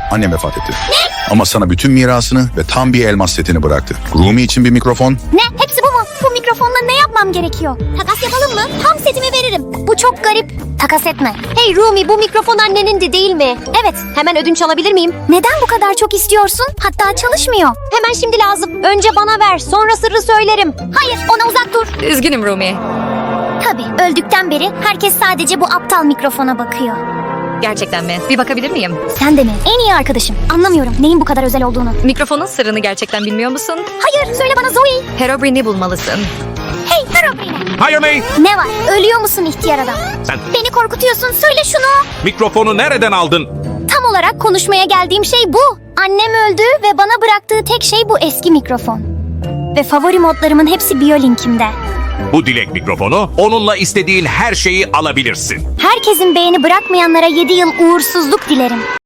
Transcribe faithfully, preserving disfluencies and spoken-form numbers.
Annem vefat etti. Ne? Ama sana bütün mirasını ve tam bir elmas setini bıraktı. Rumi için bir mikrofon. Ne? Hepsi bu mu? Bu mikrofonla ne yapmam gerekiyor? Takas yapalım mı? Tam setimi veririm. Bu çok garip. Takas etme. Hey Rumi, bu mikrofon annenin de değil mi? Evet. Hemen ödünç alabilir miyim? Neden bu kadar çok istiyorsun? Hatta çalışmıyor. Hemen şimdi lazım. Önce bana ver, sonra sırrı söylerim. Hayır, ona uzak dur. Üzgünüm Rumi. Tabii, öldükten beri herkes sadece bu aptal mikrofona bakıyor. Gerçekten mi? Bir bakabilir miyim? Sen de mi? En iyi arkadaşım. Anlamıyorum neyin bu kadar özel olduğunu. Mikrofonun sırrını gerçekten bilmiyor musun? Hayır, söyle bana Zoe. Herobrine'i bulmalısın. Hey, Herobrine. Hire me! Ne var? Ölüyor musun ihtiyar adam? Sen Beni korkutuyorsun. Söyle şunu. mikrofonu nereden aldın? Tam olarak konuşmaya geldiğim şey bu. Annem öldü ve bana bıraktığı tek şey bu eski mikrofon. Ve favori modlarımın hepsi Biolink'imde. Bu dilek mikrofonu, onunla istediğin her şeyi alabilirsin. Herkesin beğeni bırakmayanlara yedi yıl uğursuzluk dilerim.